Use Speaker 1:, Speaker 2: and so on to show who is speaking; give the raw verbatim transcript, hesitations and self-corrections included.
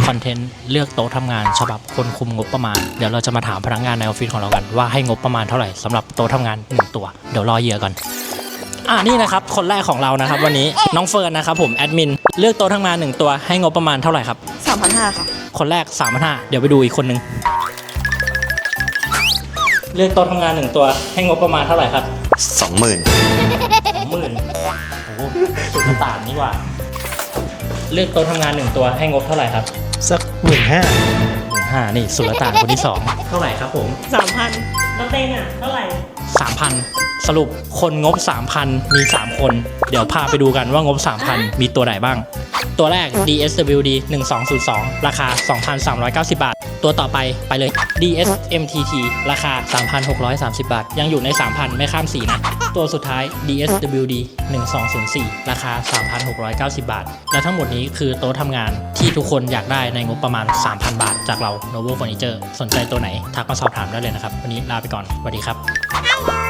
Speaker 1: คอนเทนต์เลือกโต๊ะทำงานฉบับคนคุมงบประมาณเดี๋ยวเราจะมาถามพนักงานในออฟฟิศของเรากันว่าให้งบประมาณเท่าไหร่สำหรับโต๊ะทำงานหนึ่งตัวเดี๋ยวรอเหยื่อก่อนอ่านี่นะครับคนแรกของเรานะครับวันนี้น้องเฟิร์นนะครับผมแอดมินเลือกโต๊ะทำงานหนึ่งตัวให้งบประมาณเท่าไหร่ครับ
Speaker 2: สามพันห้าค่ะ
Speaker 1: คนแรก สามพันห้าร้อย เดี๋ยวไปดูอีกคนนึงเลือกโต๊ะทำงานหนึ่งตัวให้งบประมาณเท่าไหร่ครับ
Speaker 3: สองหมื่น
Speaker 1: สองหมื่นโอ้โหสุดกระต่างนี่กว่าเลือกโต๊ะทำงานหนึ่งตัวให้งบเท่าไหร่ครับ
Speaker 4: สักหมื่นห้า
Speaker 1: หมื่นห้านี่สุลต่านคนที่สองเท่าไหร่ครับผม
Speaker 2: สามพันแล้วเต้นอ่ะเท่าไหร่
Speaker 1: สามพันสรุปคนงบ สามพัน มี สาม คน เดี๋ยวพาไปดูกันว่างบ สามพัน มีตัวไหนบ้าง ตัวแรก ดี เอส ดับเบิลยู ดี หนึ่งสองศูนย์สอง ราคา สองพันสามร้อยเก้าสิบ บาท ตัวต่อไปไปเลย ดี เอส เอ็ม ที ที ราคา สามพันหกร้อยสามสิบ บาท ยังอยู่ใน สามพัน ไม่ข้ามสี่นะ ตัวสุดท้าย ดี เอส ดับเบิลยู ดี หนึ่งสองศูนย์สี่ ราคา สามพันหกร้อยเก้าสิบ บาท และทั้งหมดนี้คือโต๊ะทำงานที่ทุกคนอยากได้ในงบประมาณ สามพัน บาท จากเรา Novo Furniture สนใจตัวไหนทักมาสอบถามได้เลยนะครับวันนี้ลาไปก่อนสวัสดีครับ